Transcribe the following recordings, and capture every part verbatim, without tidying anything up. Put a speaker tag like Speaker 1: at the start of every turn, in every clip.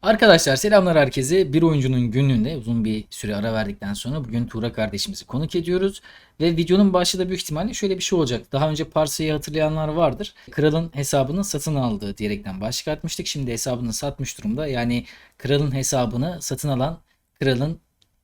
Speaker 1: Arkadaşlar selamlar herkese. Bir oyuncunun günlüğünde uzun bir süre ara verdikten sonra bugün Tuğra kardeşimizi konuk ediyoruz. Ve videonun başında da büyük ihtimalle şöyle bir şey olacak. Daha önce Parsa'yı hatırlayanlar vardır. Kralın hesabını satın aldığı diyerekten başlık atmıştık. Şimdi hesabını satmış durumda. Yani kralın hesabını satın alan kralın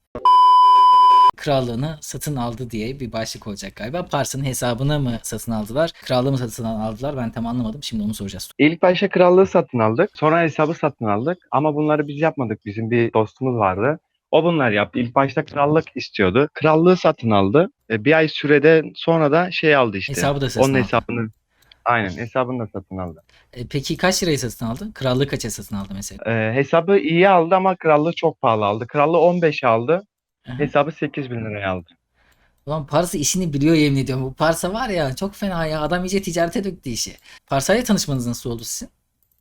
Speaker 1: krallığını satın aldı diye bir başlık olacak galiba. Parsa'nın hesabını mı satın aldılar? Krallığı mı satın aldılar? Ben tam anlamadım. Şimdi onu soracağız.
Speaker 2: İlk başta krallığı satın aldık. Sonra hesabı satın aldık. Ama bunları biz yapmadık. Bizim bir dostumuz vardı. O bunlar yaptı. İlk başta krallık istiyordu. Krallığı satın aldı. E, bir ay sürede sonra da şey aldı işte.
Speaker 1: Hesabı da satın
Speaker 2: Onun
Speaker 1: aldı.
Speaker 2: hesabını, aynen hesabını da satın aldı.
Speaker 1: E, peki kaç liraya satın aldı? Krallığı kaça satın aldı mesela?
Speaker 2: E, hesabı iyi aldı ama krallığı çok pahalı aldı. Krallığı on beş aldı.
Speaker 1: Aha.
Speaker 2: Hesabı sekiz bin liraya aldı.
Speaker 1: Ulan Parsa işini biliyor yemin ediyorum. Bu Parsa var ya çok fena ya. Adam iyice ticarete döktü işi. Parsa'yla tanışmanız nasıl oldu sizin?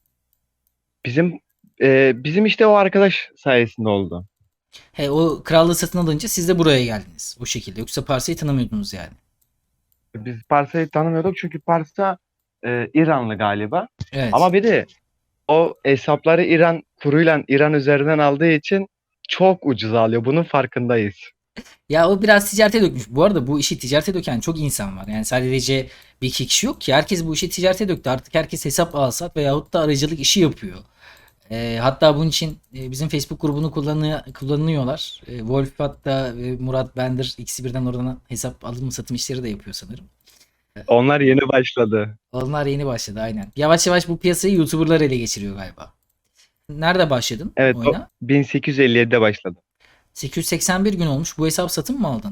Speaker 2: Bizim e, bizim işte o arkadaş sayesinde oldu.
Speaker 1: He, o krallığı satın alınca siz de buraya geldiniz. Bu şekilde. Yoksa Parsa'yı tanımıyordunuz yani.
Speaker 2: Biz Parsa'yı tanımıyorduk çünkü Parsa e, İranlı galiba.
Speaker 1: Evet.
Speaker 2: Ama bir de o hesapları İran kuruyla İran üzerinden aldığı için çok ucuz alıyor. Bunun farkındayız.
Speaker 1: Ya o biraz ticarete dökmüş. Bu arada bu işi ticarete döken çok insan var. Yani sadece bir iki kişi yok ki. Herkes bu işi ticarete döktü. Artık herkes hesap alsat veyahut da aracılık işi yapıyor. E, hatta bunun için e, bizim Facebook grubunu kullanıyor, kullanıyorlar. E, Wolf hatta e, Murat Bender ikisi birden oradan hesap alım satım işleri de yapıyor sanırım.
Speaker 2: Onlar yeni başladı.
Speaker 1: Onlar yeni başladı aynen. Yavaş yavaş bu piyasayı YouTuber'lar ele geçiriyor galiba. Nerede başladın
Speaker 2: Evet, o
Speaker 1: oyuna?
Speaker 2: bin sekiz yüz elli yedide başladı.
Speaker 1: sekiz yüz seksen bir gün olmuş. Bu hesap satın mı aldın?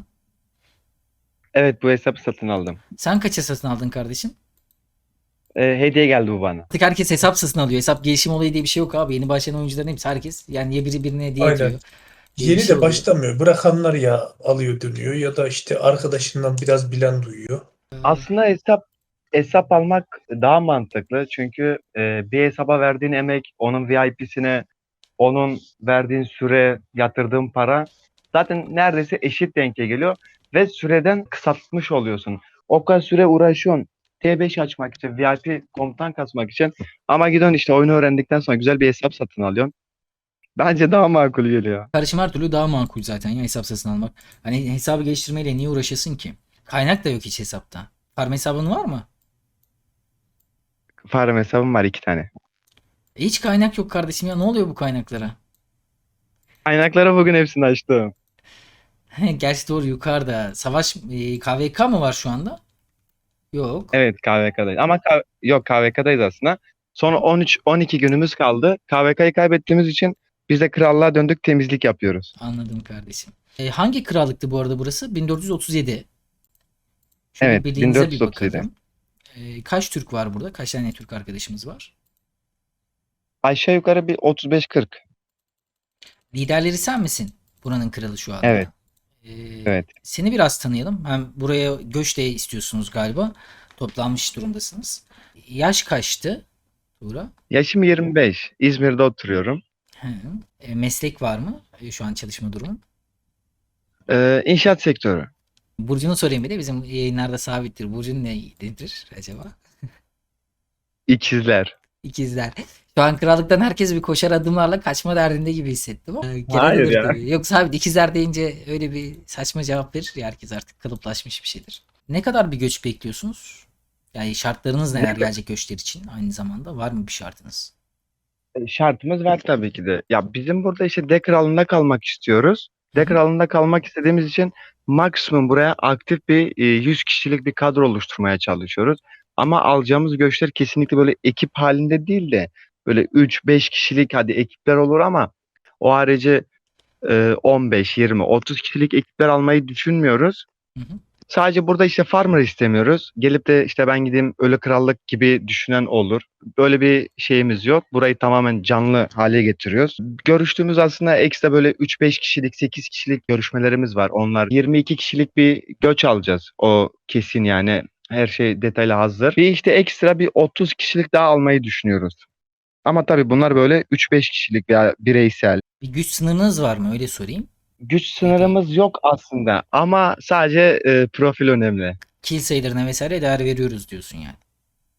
Speaker 2: Evet, bu hesabı satın aldım.
Speaker 1: Sen kaça satın aldın kardeşim?
Speaker 2: Ee, hediye geldi bu bana.
Speaker 1: Artık herkes hesap satın alıyor. Hesap gelişim olayı diye bir şey yok abi. Yeni başlayan oyuncuların hepsi herkes. Yani ya biri birine hediye
Speaker 3: Aynen.
Speaker 1: ediyor diye bir
Speaker 3: Yeni
Speaker 1: şey
Speaker 3: de
Speaker 1: oluyor.
Speaker 3: başlamıyor. Bırakanlar ya alıyor dönüyor ya da işte arkadaşından biraz bilen duyuyor.
Speaker 2: Aslında hesap hesap almak daha mantıklı. Çünkü e, bir hesaba verdiğin emek, onun V I P'sine, onun verdiğin süre, yatırdığın para zaten neredeyse eşit denke geliyor ve süreden kısaltmış oluyorsun. O kadar süre uğraşıyorsun. T beş açmak için, V I P komutan kasmak için ama gidiyorsun işte oyunu öğrendikten sonra güzel bir hesap satın alıyorsun. Bence daha makul geliyor.
Speaker 1: Karışım her türlü daha makul zaten ya hesap satın almak. Hani hesabı geliştirmeyle niye uğraşasın ki? Kaynak da yok hiç hesapta. Farm hesabın var mı?
Speaker 2: Farm hesabım var iki tane.
Speaker 1: E hiç kaynak yok kardeşim ya. Ne oluyor bu kaynaklara?
Speaker 2: Kaynakları bugün hepsini açtım.
Speaker 1: Gerçi doğru yukarıda. Savaş e, K V K mı var şu anda? Yok.
Speaker 2: Evet K V K'dayız ama K- yok K V K'dayız aslında. Sonra on üç on iki günümüz kaldı. K V K'yı kaybettiğimiz için biz de krallığa döndük temizlik yapıyoruz.
Speaker 1: Anladım kardeşim. E, hangi krallıktı bu arada burası? bin dört yüz otuz yedi. Şöyle
Speaker 2: Evet
Speaker 1: birliğinize bir
Speaker 2: bin dört yüz otuz yedi.
Speaker 1: bakalım. E, kaç Türk var burada? Kaç tane Türk arkadaşımız var?
Speaker 2: Aşağı yukarı bir otuz beş kırk.
Speaker 1: Liderleri sen misin? Buranın kralı şu
Speaker 2: Evet,
Speaker 1: anda. E,
Speaker 2: evet.
Speaker 1: seni biraz tanıyalım. Hem buraya göç de istiyorsunuz galiba. Toplanmış durumdasınız. Yaş kaçtı Tuğra?
Speaker 2: Yaşım yirmi beş. İzmir'de oturuyorum.
Speaker 1: Hı. E, meslek var mı? E, şu an çalışma durumu.
Speaker 2: Ee, inşaat sektörü.
Speaker 1: Burcu'nu sorayım bir de bizim yayınlarda sabittir. Burcu'nun ne nedir acaba?
Speaker 2: İkizler.
Speaker 1: İkizler. Şu an krallıktan herkes bir koşar adımlarla kaçma derdinde gibi hissettim ama e, genel
Speaker 2: Hayır
Speaker 1: olur
Speaker 2: ya.
Speaker 1: tabii. Yoksa abi ikizler deyince öyle bir saçma cevap verir ya herkes artık kalıplaşmış bir şeydir. Ne kadar bir göç bekliyorsunuz? Yani şartlarınız
Speaker 2: Ne
Speaker 1: neler
Speaker 2: ka-
Speaker 1: gelecek göçler için aynı zamanda var mı bir şartınız?
Speaker 2: Şartımız var tabii ki de. Ya bizim burada işte D kralında kalmak istiyoruz.
Speaker 1: Hı
Speaker 2: D
Speaker 1: hı.
Speaker 2: kralında kalmak istediğimiz için maksimum buraya aktif bir e, yüz kişilik bir kadro oluşturmaya çalışıyoruz. Ama alacağımız göçler kesinlikle böyle ekip halinde değil de böyle üç beş kişilik hadi ekipler olur ama o harici e, on beş, yirmi, otuz kişilik ekipler almayı düşünmüyoruz.
Speaker 1: Hı hı.
Speaker 2: Sadece burada işte farmer istemiyoruz. Gelip de işte ben gideyim ölü krallık gibi düşünen olur. Böyle bir şeyimiz yok. Burayı tamamen canlı hale getiriyoruz. Görüştüğümüz aslında ekstra böyle üç beş kişilik, sekiz kişilik görüşmelerimiz var. Onlar yirmi iki kişilik bir göç alacağız. O kesin yani. Her şey detaylı hazır. Bir işte ekstra bir otuz kişilik daha almayı düşünüyoruz. Ama tabii bunlar böyle üç beş kişilik veya bireysel.
Speaker 1: Bir güç sınırınız var mı öyle sorayım.
Speaker 2: Güç
Speaker 1: Bir de
Speaker 2: sınırımız yok aslında ama sadece e, profil önemli.
Speaker 1: kill sayılarına vesaire değer veriyoruz diyorsun yani.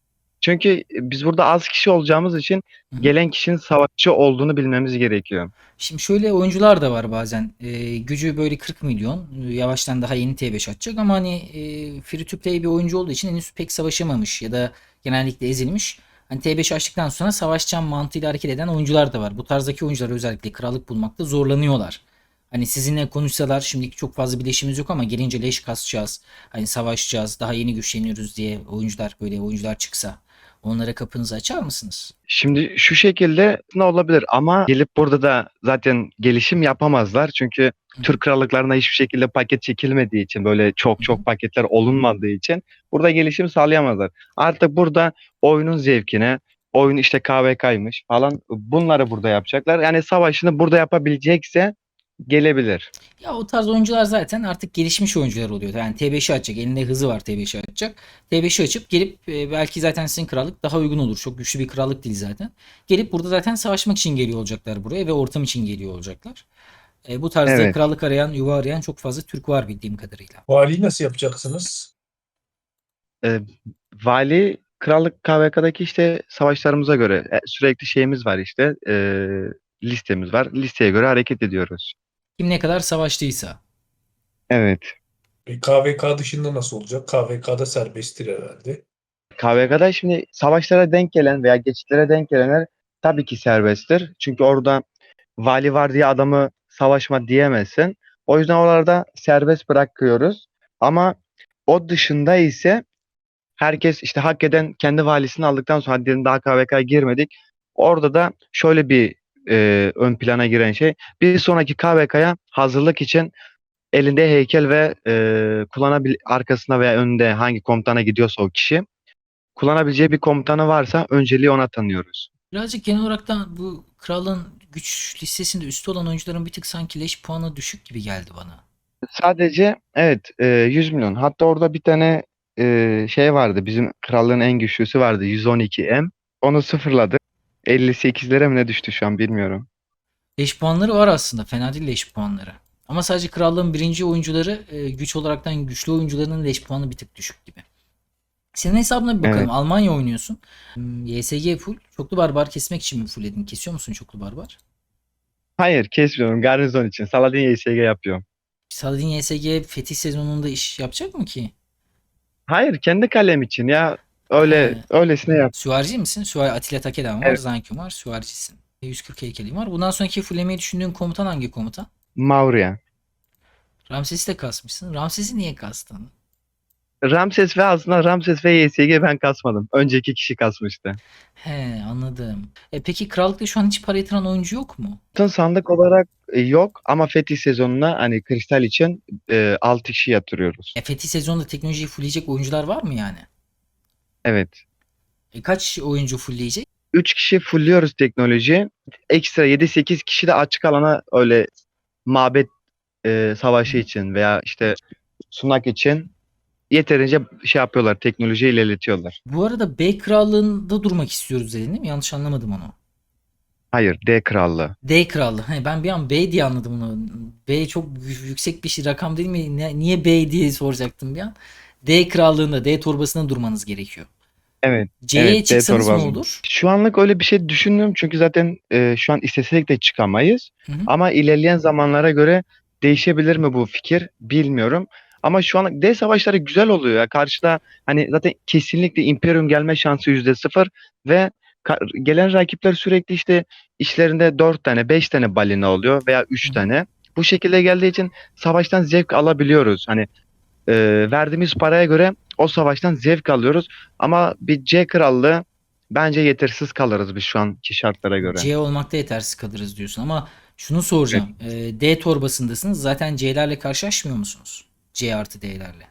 Speaker 2: Çünkü biz burada az kişi olacağımız için
Speaker 1: Hı hı.
Speaker 2: gelen kişinin savaşçı olduğunu bilmemiz gerekiyor.
Speaker 1: Şimdi şöyle oyuncular da var bazen. Ee, gücü böyle kırk milyon. e, Yavaştan daha yeni T beş atacak ama hani e, free to play bir oyuncu olduğu için henüz pek savaşamamış ya da genellikle ezilmiş. Hani T beş açtıktan sonra savaşacağım mantığıyla hareket eden oyuncular da var. Bu tarzdaki oyuncular özellikle krallık bulmakta zorlanıyorlar. Hani sizinle konuşsalar şimdiki çok fazla bileşimiz yok ama gelince leş kasacağız. Hani savaşacağız, daha yeni güçleniyoruz diye oyuncular böyle oyuncular çıksa onlara kapınızı açar mısınız?
Speaker 2: Şimdi şu şekilde ne olabilir ama gelip burada da zaten gelişim yapamazlar. Çünkü
Speaker 1: Hı hı.
Speaker 2: Türk krallıklarına hiçbir şekilde paket çekilmediği için böyle çok
Speaker 1: Hı hı.
Speaker 2: çok paketler olunmadığı için burada gelişim sağlayamazlar. Artık burada oyunun zevkine, oyun işte K V K'ymış falan bunları burada yapacaklar. Yani savaşını burada yapabilecekse gelebilir.
Speaker 1: Ya o tarz oyuncular zaten artık gelişmiş oyuncular oluyor. Yani T beşi açacak. Elinde hızı var T beşi açacak. T beşi açıp gelip e, belki zaten sizin krallık daha uygun olur. Çok güçlü bir krallık değil zaten. Gelip burada zaten savaşmak için geliyor olacaklar buraya ve ortam için geliyor olacaklar. E, bu tarzda
Speaker 2: Evet.
Speaker 1: krallık arayan, yuva arayan çok fazla Türk var bildiğim kadarıyla.
Speaker 3: Valiyi nasıl yapacaksınız?
Speaker 2: Ee, Vali krallık K V K'daki işte savaşlarımıza göre e, sürekli şeyimiz var işte e, listemiz var. Listeye göre hareket ediyoruz.
Speaker 1: Kim ne kadar savaştıysa.
Speaker 2: Evet.
Speaker 3: E, K V K dışında nasıl olacak? K V K'da serbesttir herhalde.
Speaker 2: K V K'da şimdi savaşlara denk gelen veya geçitlere denk gelenler tabii ki serbesttir. Çünkü orada vali var diye adamı savaşma diyemezsin. O yüzden oralarda serbest bırakıyoruz. Ama o dışında ise herkes işte hak eden kendi valisini aldıktan sonra hadi diyelim daha K V K'ya girmedik. Orada da şöyle bir e, ön plana giren şey. Bir sonraki K V K'ya hazırlık için elinde heykel ve e, kullanabil arkasına veya önünde hangi komutana gidiyorsa o kişi kullanabileceği bir komutanı varsa önceliği ona tanıyoruz.
Speaker 1: Birazcık genel olarak da bu kralın güç listesinde üstü olan oyuncuların bir tık sanki leş puanı düşük gibi geldi bana.
Speaker 2: Sadece evet e, yüz milyon. Hatta orada bir tane e, şey vardı. Bizim krallığın en güçlüsü vardı. yüz on iki M. Onu sıfırladı. elli sekizlere mi ne düştü şu an bilmiyorum.
Speaker 1: Leş puanları var aslında. Fena değil leş puanları. Ama sadece krallığın birinci oyuncuları e, güç olaraktan güçlü oyuncularının leş puanı bir tık düşük gibi. Senin hesabına bir bakalım.
Speaker 2: Evet.
Speaker 1: Almanya oynuyorsun. Hmm, Y S G full. Çoklu barbar kesmek için mi fullledin? Kesiyor musun çoklu barbar?
Speaker 2: Hayır kesmiyorum. Garnizon için. Saladin Y S G yapıyorum.
Speaker 1: Saladin Y S G fetih sezonunda iş yapacak mı ki?
Speaker 2: Hayır kendi kalem için ya. Öyle
Speaker 1: He,
Speaker 2: öylesine yap.
Speaker 1: süvarici misin? Süvari Atilla Takedan var.
Speaker 2: Evet.
Speaker 1: Zankyum var. Süvaricisin. yüz kırk heykelin var. Bundan sonraki fulllemeyi düşündüğün komutan hangi komutan?
Speaker 2: Maurya.
Speaker 1: Ramses'i de kasmışsın. Ramses'i niye kastın?
Speaker 2: Ramses ve aslında Ramses ve Y S G ben kasmadım. Önceki kişi kasmıştı.
Speaker 1: He, anladım. E, peki krallıkta şu an hiç para yatıran oyuncu yok mu?
Speaker 2: Altın sandık olarak e, yok ama Fetih sezonuna hani kristal için e, altı kişi yatırıyoruz.
Speaker 1: E, fetih sezonunda teknolojiyi fullleyecek oyuncular var mı yani?
Speaker 2: Evet.
Speaker 1: E, kaç oyuncu fullleyecek?
Speaker 2: üç kişi fullüyoruz teknoloji. Ekstra yedi sekiz kişi de açık alana öyle mabet e, savaşı
Speaker 1: Hı.
Speaker 2: için veya işte sunak için yeterince şey yapıyorlar. Teknolojiyi ilerletiyorlar.
Speaker 1: Bu arada B krallığında durmak istiyoruz dedin değil mi? Yanlış anlamadım onu.
Speaker 2: Hayır, D krallığı.
Speaker 1: D krallığı. He, ben bir an B diye anladım onu. B çok yü- yüksek bir şey rakam değil mi? Ne- niye B diye soracaktım bir an. D krallığında, D torbasında durmanız gerekiyor.
Speaker 2: Evet.
Speaker 1: C'ye
Speaker 2: Evet, D
Speaker 1: çıksanız ne
Speaker 2: torbası.
Speaker 1: olur?
Speaker 2: Şu anlık öyle bir şey düşünmüyorum çünkü zaten e, şu an istesek de çıkamayız.
Speaker 1: Hı hı.
Speaker 2: Ama ilerleyen zamanlara göre değişebilir mi bu fikir bilmiyorum. Ama şu an D savaşları güzel oluyor ya. Karşıda hani zaten kesinlikle Imperium gelme şansı yüzde sıfır ve ka- gelen rakipler sürekli işte işlerinde dört tane beş tane balina oluyor veya
Speaker 1: Hı
Speaker 2: üç
Speaker 1: hı.
Speaker 2: tane. Bu şekilde geldiği için savaştan zevk alabiliyoruz. Hani e, verdiğimiz paraya göre o savaştan zevk alıyoruz. Ama bir C krallığı bence yetersiz kalırız biz şu anki şartlara göre.
Speaker 1: C olmakta yetersiz kalırız diyorsun ama şunu
Speaker 2: Evet.
Speaker 1: soracağım. Ee, D torbasındasınız. Zaten C'lerle karşılaşmıyor musunuz? C artı D'lerle.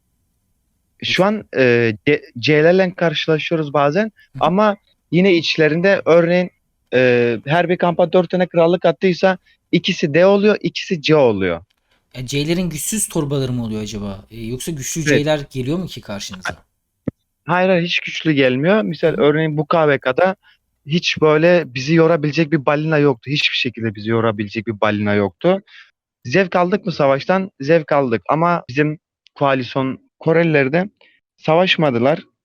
Speaker 2: Şu an e, C- C'lerle karşılaşıyoruz bazen
Speaker 1: Hı hı.
Speaker 2: ama yine içlerinde örneğin e, her bir kampa dört tane krallık attıysa ikisi D oluyor, ikisi C oluyor.
Speaker 1: Ya C'lerin güçsüz torbaları mı oluyor acaba? Ee, yoksa güçlü
Speaker 2: Evet.
Speaker 1: C'ler geliyor mu ki karşınıza?
Speaker 2: Hayır, hayır hiç güçlü gelmiyor.
Speaker 1: Hı
Speaker 2: Misal
Speaker 1: hı.
Speaker 2: örneğin bu K V K'da hiç böyle bizi yorabilecek bir balina yoktu. Hiçbir şekilde bizi yorabilecek bir balina yoktu. Zevk aldık mı savaştan? Zevk aldık ama bizim koalisyon Koreliler de savaşmadılar.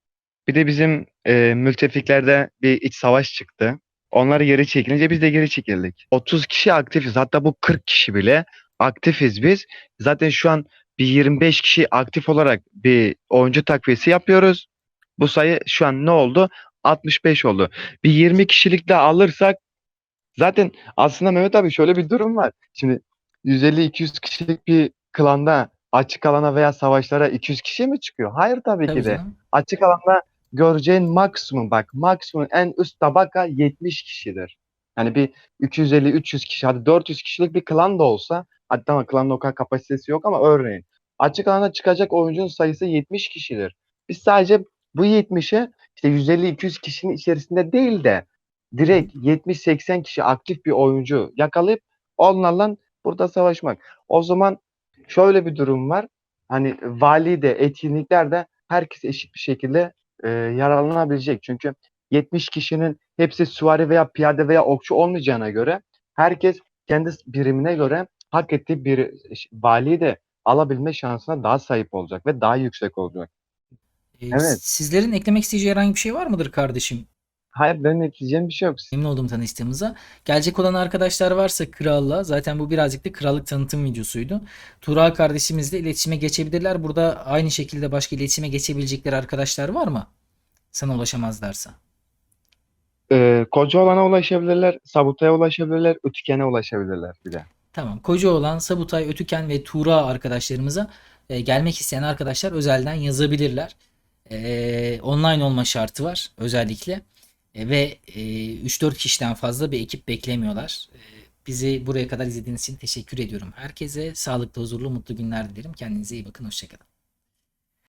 Speaker 2: Bir de bizim e, müttefiklerde bir iç savaş çıktı. Onlar geri çekilince biz de geri çekildik. otuz kişi aktifiz. Hatta bu kırk kişi bile aktifiz biz. Zaten şu an bir yirmi beş kişi aktif olarak bir oyuncu takviyesi yapıyoruz. Bu sayı şu an ne oldu? altmış beş oldu. Bir yirmi kişilik de alırsak zaten aslında Mehmet abi şöyle bir durum var. Şimdi yüz elli iki yüz kişilik bir klanda açık alana veya savaşlara iki yüz kişi mi çıkıyor? Hayır tabii
Speaker 1: Tabii
Speaker 2: ki de.
Speaker 1: canım.
Speaker 2: Açık alanda göreceğin maksimum bak maksimum en üst tabaka yetmiş kişidir. Yani bir iki yüz elli üç yüz kişi hadi dört yüz kişilik bir klan da olsa hadi tamam klanın o kadar kapasitesi yok ama örneğin açık alana çıkacak oyuncunun sayısı yetmiş kişidir. Biz sadece bu yetmişe işte yüz elli iki yüz kişinin içerisinde değil de
Speaker 1: Hı hı.
Speaker 2: direkt yetmiş seksen kişi aktif bir oyuncu yakalayıp onlarla burada savaşmak. O zaman şöyle bir durum var. Hani vali de etkinlikler de herkes eşit bir şekilde e, yararlanabilecek. Çünkü yetmiş kişinin hepsi süvari veya piyade veya okçu olmayacağına göre herkes kendi birimine göre hak ettiği bir valiyi de alabilme şansına daha sahip olacak ve daha yüksek olacak.
Speaker 1: Ee,
Speaker 2: Evet.
Speaker 1: sizlerin eklemek isteyeceği herhangi bir şey var mıdır kardeşim?
Speaker 2: Hayır benim ekleyeceğim bir şey yok.
Speaker 1: Memnun oldum tanıştığımıza. Gelecek olan arkadaşlar varsa kralla, zaten bu birazcık da krallık tanıtım videosuydu. Tuğra kardeşimizle iletişime geçebilirler. Burada aynı şekilde başka iletişime geçebilecekleri arkadaşlar var mı? Sana ulaşamazlarsa.
Speaker 2: Ee, koca olana ulaşabilirler, sabutaya ulaşabilirler, ötükene ulaşabilirler bir de.
Speaker 1: Tamam. Kocaoğlan, Sabutay, Ötüken ve Tuğra arkadaşlarımıza e, gelmek isteyen arkadaşlar özelden yazabilirler. E, online olma şartı var özellikle. E, ve e, üç dört kişiden fazla bir ekip beklemiyorlar. E, bizi buraya kadar izlediğiniz için teşekkür ediyorum. Herkese sağlıklı, huzurlu, mutlu günler dilerim. Kendinize iyi bakın. Hoşçakalın.